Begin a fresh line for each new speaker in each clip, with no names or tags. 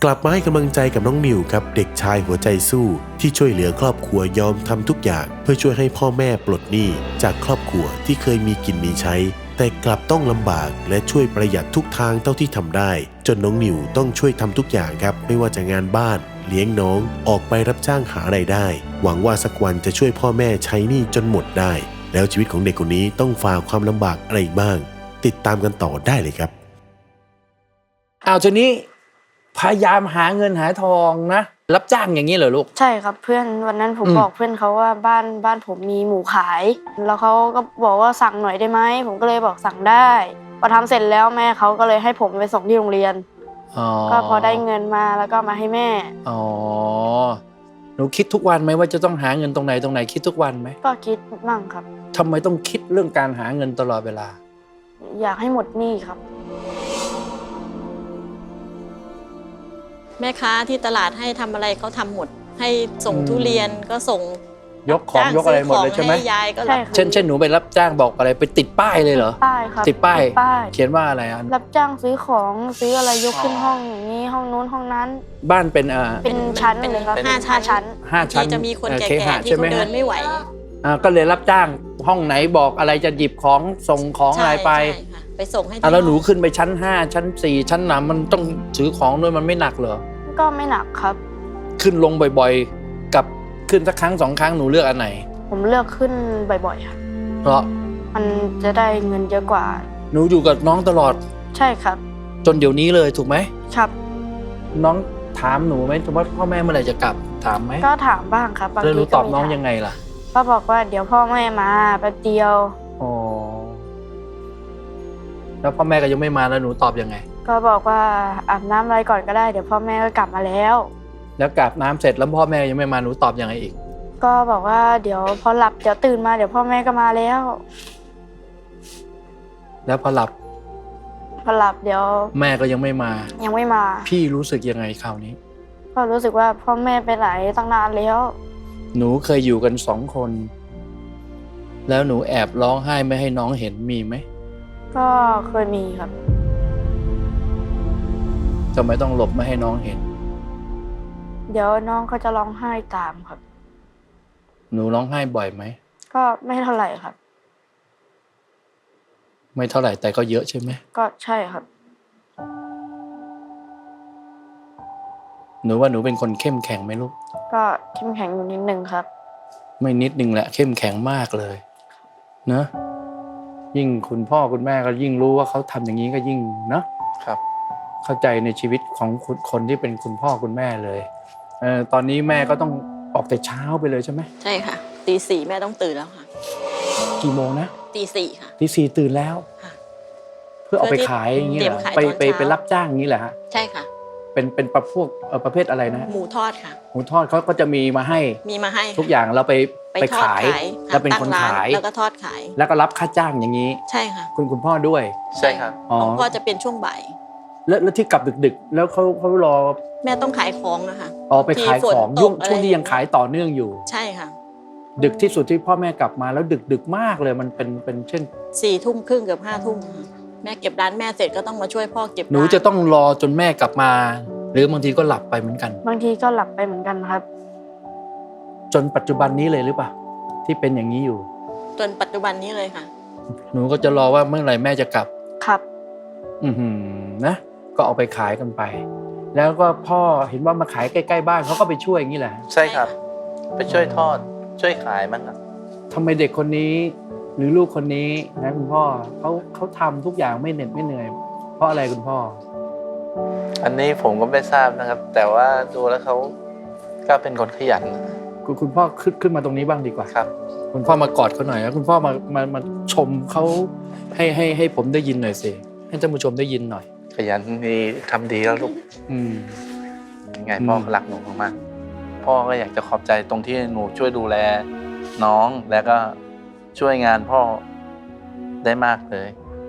กลับมาให้กำลังใจกับน้องนิวครับเด็กชายหัวใจสู้ที่ช่วยเหลือครอบครัวยอมทำทุกอย่างเพื่อช่วยให้พ่อแม่ปลดหนี้จากครอบครัวที่เคยมีกินมีใช้แต่กลับต้องลำบากและช่วยประหยัดทุกทางเท่าที่ทำได้จนน้องนิวต้องช่วยทำทุกอย่างครับไม่ว่าจะงานบ้านเลี้ยงน้องออกไปรับจ้างหารายได้หวังว่าสักวันจะช่วยพ่อแม่ใช้หนี้จนหมดได้แล้วชีวิตของเด็กคนนี้ต้องฝ่าความลำบากอะไรบ้างติดตามกันต่อได้เลยครับ
ทีนี้พยายามหาเงินหาทองนะรับจ้างอย่างนี้เหรอลูก
ใช่ครับเพื่อนวันนั้นผมบอกเพื่อนเขาว่าบ้านผมมีหมูขายแล้วเขาก็บอกว่าสั่งหน่อยได้ไหมผมก็เลยบอกสั่งได้พอทำเสร็จแล้วแม่เขาก็เลยให้ผมไปส่งที่โรงเรียนก็พอได้เงินมาแล้วก็มาให้แม่
หนูคิดทุกวันไหมว่าจะต้องหาเงินตรงไหนคิดทุกวันไหม
ก็คิดบ้างครับ
ทำไมต้องคิดเรื่องการหาเงินตลอดเวลา
อยากให้หมดหนี้ครับ
แม่ค้าที่ตลาดให้ทำอะไรเขาทำหมดให้ส่งทุเรียนก็ส่ง
ยกของยกอะไรหมดเลยใช่ไหม
ยายก็
เช่นหนูไปรับจ้างบอกอะไรไปติดป้ายเลยเหรอ
ป้ายครับ
ติดป้ายเขียนว่าอะไร
รับจ้างซื้อของซื้ออะไรยกขึ้นห้องอย่างนี้ห้องนู้นห้องนั้น
บ้านเป็น
ชั้นเลยครับ5 ชั้น
ที่จะมีคนแก่ๆที่เขาเดินไม่ไหว
ก็เลยรับจ้างห้องไหนบอกอะไรจะหยิบของส่งของอะไร
ไปส่งให้
แล้วหนูขึ้นไปชั้น5ชั้น4ชั้น3มันต้องถือของด้วยมันไม่หนักเหรอ
ก็ไม่หนักครับ
ขึ้นลงบ่อยๆกับขึ้นสักครั้ง2 ครั้งหนูเลือกอันไหน
ผมเลือกขึ้นบ่อยๆครับ
เพราะ
มันจะได้เงินเยอะกว่า
หนูอยู่กับน้องตลอด
ใช่ครับ
จนเดี๋ยวนี้เลยถูกไหม
ครับ
น้องถามหนูไหมว่าพ่อแม่เมื่อไหร่จะกลับถามไหม
ก็ถามบ้างครับบางที
หนูตอบน้องยังไงล่ะ
ก็บอกว่าเดี๋ยวพ่อแม่มาแป๊บเดียว
แล้วพ่อแม่ก็ยังไม่มาแล้วหนูตอบยังไง
ก็บอกว่าอาบน้ำอะไรก่อนก็ได้เดี๋ยวพ่อแม่ก็กลับมาแล้ว
อาบน้ำเสร็จแล้วพ่อแม่ยังไม่มาหนูตอบยังไงอีก
ก็บอกว่าเดี๋ยวพอหลับเดี๋ยวตื่นมาเดี๋ยวพ่อแม่ก็มาแล้ว
พอหลับ
เดี๋ยว
แม่ก็ยังไม่มาพี่รู้สึกยังไงคราวนี้
ก็รู้สึกว่าพ่อแม่ไปไหนตั้งนานแล้ว
หนูเคยอยู่กัน2 คนแล้วหนูแอบร้องไห้ไม่ให้น้องเห็นมีไหม
ก็เคยมีครับ
ทำไมต้องหลบไม่ให้น้องเห็น
เดี๋ยวน้องเขาจะร้องไห้ตามครับ
หนูร้องไห้บ่อยไหม
ก็ไม่เท่าไหร่ครับ
ไม่เท่าไหร่แต่ก็เยอะใช่ไหม
ก็ใช่ครับ
หนูว่าหนูเป็นคนเข้มแข็งไหมลูก
ก็เข้มแข็งอยู่นิดนึงครับ
ไม่นิดนึงแหละเข้มแข็งมากเลยเนอะยิ่งคุณพ่อคุณแม่ก็ยิ่งรู้ว่าเขาทำอย่างนี้ก็ยิ่งเนอะครับเข้าใจในชีวิตของคนที่เป็นคุณพ่อคุณแม่เลยตอนนี้แม่ก็ต้องออกแต่เช้าไปเลยใช่ไหม
ใช่ค่ะตี 4แม่ต้องตื่นแล้วค่ะ
กี่โมงนะ
ตี 4ค่ะ
ตี 4ตื่นแล้วเพื่อเอาไปขายอย่างนี้เหรอไปรับจ้างอย่างนี้แหละฮะ
ใช่ค่ะ
เป็นประเภทอะไรนะ
หมูทอดค่ะ
หมูทอดเขาก็จะมีมาให้ทุกอย่างเราไปขายแล้วเป็นคนขาย
แล้วก็ทอดขาย
แล้วก็รับค่าจ้างอย่างนี้
ใช่ค่ะ
คุณพ่อด้วย
ใช่ค่ะของพ่อจะเป็นช่วงบ่าย
แล้วที่กลับดึกๆแล้วเขารอ
แม่ต้องขายของนะคะ
ไปขายของช่วงที่ยังขายต่อเนื่องอยู่
ใช่ค่ะ
ดึกที่สุดที่พ่อแม่กลับมาแล้วดึกมากเลยมันเป็นเช่น
4 ทุ่มครึ่งเกือบ5 ทุ่มแม่เก็บร้านแม่เสร็จก็ต้องมาช่วยพ่อเก็บ
หนูจะต้องรอจนแม่กลับมาหรือบางทีก็หลับไปเหมือนกัน
บางทีก็หลับไปเหมือนกันครับ
จนปัจจุบันนี้เลยหรือเปล่าที่เป็นอย่างนี้อยู่
จนปัจจุบันนี้เลยค่ะ
หนูก็จะรอว่าเมื่อไหร่แม่จะกลับ
ครับ
นะก็เอาไปขายกันไปแล้วก็พ่อเห็นว่ามาขายใกล้ๆบ้านเขาก็ไปช่วยอย่างนี้แหละ
ใช่ครับไปช่วยทอดช่วยขายมันครับ
ทำไมเด็กคนนี้หรือลูกคนนี้นะคุณพ่อเขาทำทุกอย่างไม่เหน็ดไม่เหนื่อยเพราะอะไรคุณพ่อ
อันนี้ผมก็ไม่ทราบนะครับแต่ว่าดูแล้วเขาก็เป็นคนขยัน
คุณพ่อขึ้นมาตรงนี้บ้างดีกว่า
ครับ
คุณพ่อมากอดเขาหน่อยแล้วคุณพ่อมาชมเขาให้ผมได้ยินหน่อยสิให้ท่านผู้ชมได้ยินหน่อย
ขยันดีทำดีแล้วลูกยังไงพ่อรักหนูมากพ่อก็อยากจะขอบใจตรงที่หนูช่วยดูแลน้องแล้วก็ช่วยงานพ่อได้มากเลย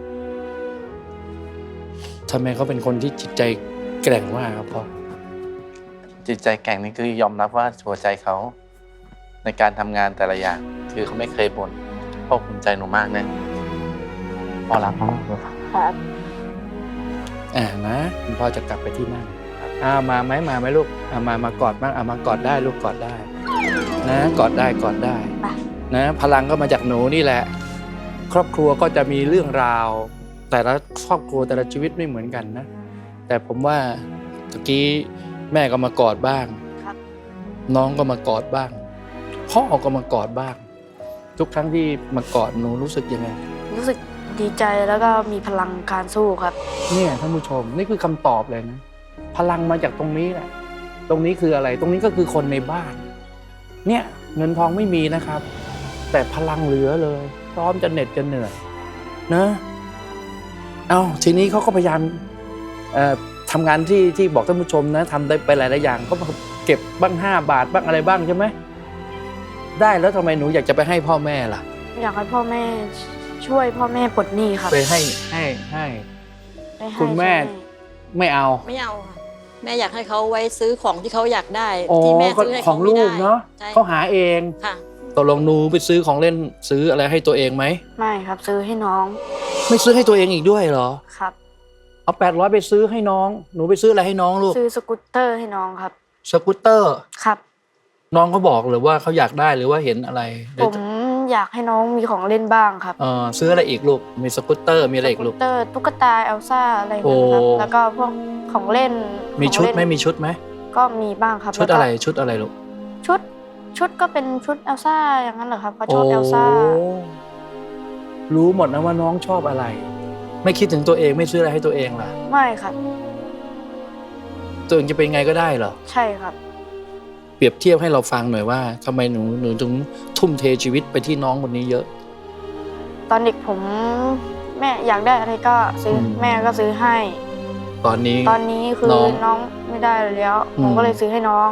ทำไมเขาเป็นคนที่จิตใจแกร่งมากครับพ่อ
จิตใจแกร่งนี่คือยอมรับว่าหัวใจเขาในการทำงานแต่ละอย่างคือเขาไม่เคยบ่นพ่อภูมิใจหนูมากนะพ่อรักมากเลย
ครับ
นะคุณพ่อจะกลับไปที่นั่นครับมาไหมลูกมากอดบ้างมากอดได้ลูกกอดได้นะกอดได้นะพลังก็มาจากหนูนี่แหละครอบครัวก็จะมีเรื่องราวแต่ละครอบครัวแต่ละชีวิตไม่เหมือนกันนะแต่ผมว่าตะกี้แม่ก็มากอดบ้าง
ครับ
น้องก็มากอดบ้างพ่อก็มากอดบ้างทุกครั้งที่มากอดหนูรู้สึกยังไง
รู้สึกดีใจแล้วก็มีพลังการสู้ครับ
เนี่ยท่านผู้ชมนี่คือคำตอบเลยนะพลังมาจากตรงนี้แหละตรงนี้คืออะไรตรงนี้ก็คือคนในบ้านเนี่ยเงินทองไม่มีนะครับ แต่พลังเหลือเลยพร้อมจะเหน็ดจะเหนื่อยนะเอาทีนี้เขาก็พยายามทำงานที่บอกท่านผู้ชมนะทำได้ไปหลายๆอย่างก็เก็บบ้าง5 บาทบ้างอะไรบ้างใช่ไหมได้แล้วทำไมหนูอยากจะไปให้พ่อแม่ล่ะ
อยากให้พ่อแม่ช่วยพ่อแม่ปลดหนี้ครับ
ไปให้
ได้ให้
คุณแม่
ช่วย
ไม่เอา
ไม่เอาค่ะแม่อยากให้เขาไว้ซื้อของที่เขาอยากได้
อ๋อ
ที่แม่ซื้อให้
ขอ
เขา
ง
ไม่
ลู
ได้
กเนาะ
ใช่
เขาหาเอง
ค่ะ
ตกลงหนูไปซื้อของเล่นซื้ออะไรให้ตัวเองไหม
ไม่ครับซื้อให้น้อง
ไม่ซื้อให้ตัวเองอีกด้วยเหรอ
ครับ
เอา800ไปซื้อให้น้องหนูไปซื้ออะไรให้น้องลูก
ซื้อสกูตเตอร์ให้น้องครับ
สกูตเตอร์
ครับ
น้องเขาบอกหรือว่าเขาอยากได้หรือว่าเห็นอะไร
ผมอยากให้น้องมีของเล่นบ้างครับ
ซื้ออะไรอีกลูกมีสกูตเตอร์มีอะไร
ส
อีก
กู
ลู
ต
ก
เตอร์ตุ๊กตาเอลซ่าอะไรอย่างเงี้ยครับ
โอ้
แล้วก็พวกของเล่น
มีชุดไหม
ของเล่น
มีชุดไหม
ก็มีบ้างครับ
ชุด
แล้วก็
อะไรชุดอะไรลูก
ชุดก็เป็นชุดเอลซ่าอย่างนั้นเหรอครับเขาชอบเอลซ่า
รู้หมดนะว่าน้องชอบอะไร ไม่คิดถึงตัวเองไม่ซื้ออะไรให้ตัวเองล่ะ
ไม่ครับ
ตัวเองจะเป็นไงก็ได้เหรอ
ใช่ครับ
เปรียบเทียบให้เราฟังหน่อยว่าทำไมหนูถึงทุ่มเทชีวิตไปที่น้องคนนี้เยอะ
ตอนเด็กผมแม่อยากได้อะไรก็ซื้อแม่ก็ซื้อให้
ตอนนี้
ตอนนี้คือ
น้อง
น้องไม่ได้แล้ว ผมก็เลยซื้อให้น้อง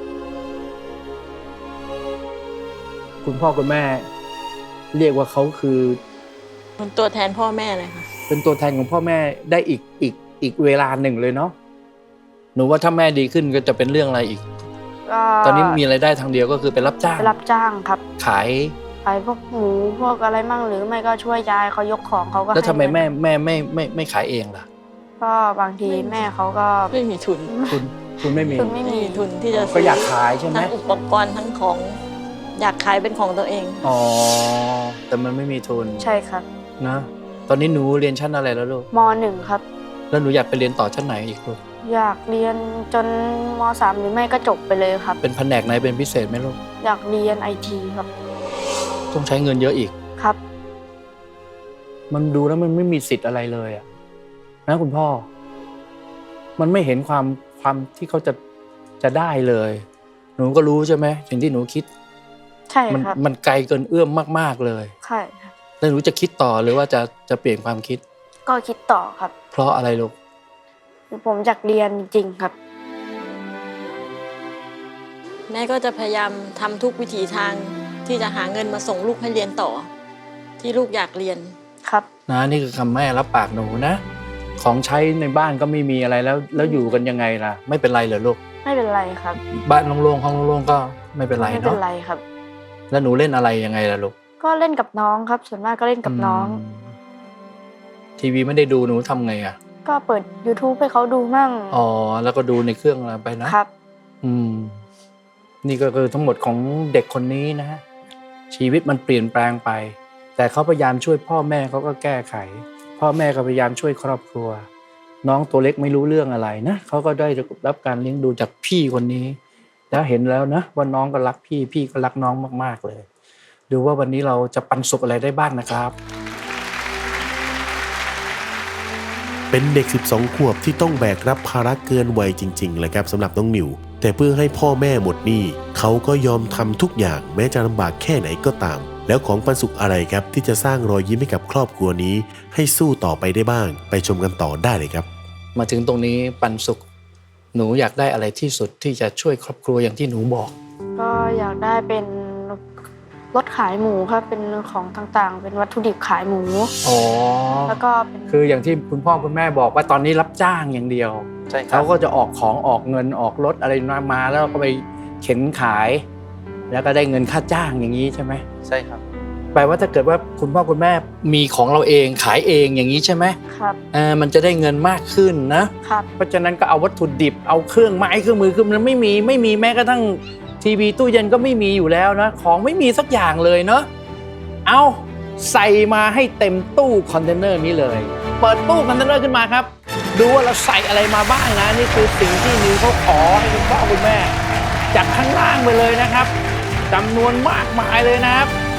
คุณพ่อคุณแม่ เรียกว่าเขาคือ
เป็นตัวแทนพ่อแม่เลยค่ะ
เป็นตัวแทนของพ่อแม่ได้อีกเวลาหนึ่งเลยเนาะหนูว่าถ้าแม่ดีขึ้นก็จะเป็นเรื่องอะไรอีก
ก็
ตอนนี้มีรายได้ทางเดียวก็คือไปรับจ้าง
ไปรับจ้างครับ
ขาย
ขายพวกหมูพวกอะไรมั่งหรือไม่ก็ช่วยยายเขายกของเขาก็
แล้วทำไม
ให้
แม่
เงิน
ไม่ขายเองล่ะ
ก็บางทีแม่เขาก็
ไม่มีทุน
คุณไม่มี
ทุนไม่
ไม่
มี
มีทุนที่จะ
ก็อยากขายใช่ไหม
ทั้งอุปกรณ์ทั้งของ อยากขายเป็นของตัวเอง
อ๋อแต่มันไม่มีทุน
ใช่ครับ
นะตอนนี้หนูเรียนชั้นอะไรแล้วลูก
ม .1 ครับ
แล้วหนูอยากไปเรียนต่อชั้นไหนอีกลูก
อยากเรียนจนม .3 หรือไม่ก็จบไปเลยครับ
เป็นแผนกไหนเป็นพิเศษไหมลูก
อยากเรียนไอทีครับ
ต้องใช้เงินเยอะอีก
ครับ
มันดูแล้วมันไม่มีสิทธิ์อะไรเลยอะนะคุณพ่อ มันไม่เห็นความที่เขาจะได้เลย หนูก็รู้ใช่ไหมสิ่งที่หนูคิด
ใช่ครับ
มันไกลเกินเอื้อมมากๆเลย
ใช่ครับ
แล้วหนูจะคิดต่อหรือว่าจะเปลี่ยนความคิด
ก็คิดต่อครับ
เพราะอะไรลูก
คือผมอยากเรียนจริงๆครับ
แม่ก็จะพยายามทำทุกวิถีทางที่จะหาเงินมาส่งลูกให้เรียนต่อ ที่ลูกอยากเรียน
ครับ
นะนี่คือคำแม่รับปากหนูนะ ของใช้ในบ้านก็ไม่มีอะไรแล้วอยู่กันยังไงล่ะ ไม่เป็นไรเหรอลูก
ไม่เป็นไรครับ
บ้านโล่งๆห้องโล่งๆก็ไม่เป็นไร
ไม่เป็
เนาะ
นไรครับ
แล้วหนูเล่นอะไรยังไงล่ะลูก
ก็เล่นกับน้องครับ ส่วนมากก็เล่นกับน้อง
ทีวีไม่ได้ดูหนูทำไงอ่ะ
ก็เปิด YouTube ให้เขาดูมั่ง
อ๋อแล้วก็ดูในเครื่องอะไรไปนะครับ นี่ก็คือทั้งหมดของเด็กคนนี้นะฮะชีวิตมันเปลี่ยนแปลงไป แต่เขาพยายามช่วยพ่อแม่เขาก็แก้ไข พ่อแม่ก็พยายามช่วยครอบครัว น้องตัวเล็กไม่รู้เรื่องอะไรนะเขาก็ได้รับการเลี้ยงดูจากพี่คนนี้ แล้วเห็นแล้วนะว่าน้องก็รักพี่พี่ก็รักน้องมากๆเลยดูว่าวันนี้เราจะปันสุขอะไรได้บ้างนะครับ
เป็นเด็ก 12 ขวบที่ต้องแบกรับภาระเกินวัยจริงๆเลยครับสำหรับน้องนิวแต่เพื่อให้พ่อแม่หมดหนี้เขาก็ยอมทำทุกอย่างแม้จะลำบากแค่ไหนก็ตาม แล้วของปันสุขอะไรครับที่จะสร้างรอยยิ้มให้กับครอบครัวนี้ให้สู้ต่อไปได้บ้างไปชมกันต่อได้เลยครับ
มาถึงตรงนี้ปันสุขหนูอยากได้อะไรที่สุดที่จะช่วยครอบครัวอย่างที่หนูบอก
ก็อยากได้เป็นรถขายหมูครับเป็นของต่างๆ เป็นวัตถุดิบขายหมู
อ๋อ
แล้วก็เป็น
คืออย่างที่คุณพ่อคุณแม่บอกว่าตอนนี้รับจ้างอย่างเดียว
ใช่ครั
เขา
บ
ก็จะออกของออกเงินออกรถอะไรมาแล้วก็ไปเข็นขาย แล้วก็ได้เงินค่าจ้างอย่างนี้ใช่ไหม
ใช่ครับ
แปลว่าถ้าเกิดว่าคุณพ่อคุณแม่มีของเราเองขายเองอย่างนี้ใช่ไหม
ครับ
มันจะได้เงินมากขึ้นนะครับ เพราะฉะนั้นก็เอาวัตถุดิบเอาเครื่องไม้เครื่องมือคือมันไม่มีแม้กระทั่งทีวีตู้เย็นก็ไม่มีอยู่แล้วนะของไม่มีสักอย่างเลยเนาะเอาใส่มาให้เต็มตู้คอนเทนเนอร์นี้เลยเปิดตู้คอนเทนเนอร์ขึ้นมาครับดูว่าเราใส่อะไรมาบ้างนะนี่คือสิ่งที่นิวเขาขอให้คุณพ่อคุณแม่จากข้างล่างไปเลยนะครับจำนวนมากมายเลยนะครับ